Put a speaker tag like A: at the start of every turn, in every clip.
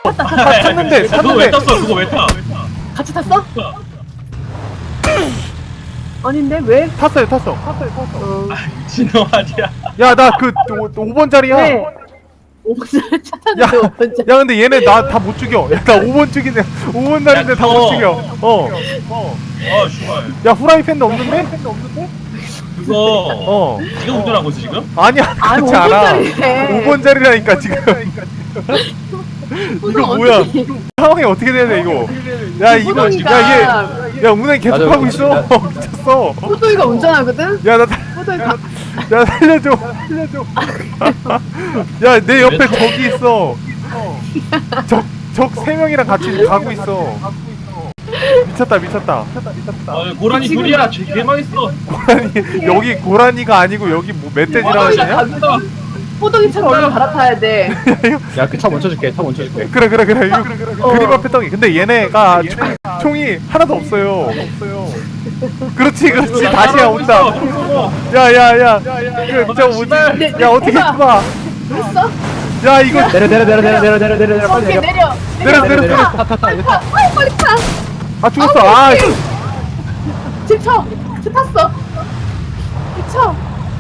A: 탔는데
B: 그거 왜 탔어? 그거 왜 타?
C: 같이 탔어? 아닌데 왜?
A: 탔어요.
C: 어.
B: 진호 아니야.
A: 야 나 그 5번 자리야.
C: 왜? 5번 차
A: 야,
C: 탔는데 5번 차.
A: 야 근데 얘네 나 다 못 죽여. 야 나 5번 죽이네. 5번 날인데 다 못 죽여.
B: 아 슈발.
A: 야 후라이팬도 없는데?
B: 그거 지금 운전하고 있어 지금?
A: 아니야
C: 아니,
A: 그렇지 않아.
C: 5번짜리래.
A: 5번 자리라니까 지금. 이거 뭐야? 상황이 어떻게 돼야 돼 이거? 야 이거
C: 호동이가
A: 야 운행 계속
D: 맞아,
A: 하고 있어. 미쳤어.
C: 호동이가 운전하거든?
A: 야 나
C: 호동이가
A: 야 살려줘. 야 내 옆에 적이 있어. 적 3명이랑 같이 가고 있어. 미쳤다.
B: 고라니 둘이야. 개 망했어.
A: 고라니 여기 고라니가 아니고 여기 뭐 멧돼지라 하시냐?
C: 호동이처럼 얼른 갈아타야 돼.
D: 야 그 차 멈춰줄게. 차 멈춰줄게.
A: 그래 이거 그림 앞에 떡이. 근데 얘네가 총이 하나도 없어요. 그렇지 다시야 온다. 야야야 저 뭐지? 야 어떻게 해봐.
C: 됐어?
A: 야 이거
D: 내려 빨리
C: 오케이,
D: 내려.
C: 내려.
D: 타.
C: 빨리 타.
A: 아 죽었어. 아
C: 집 쳐. 집 탔어. 집 쳐.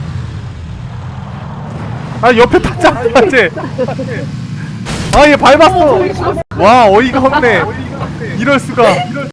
A: 아 옆에 탔잖아 쟤. 아 얘 밟았어. 와 어이가 없네. 이럴 수가.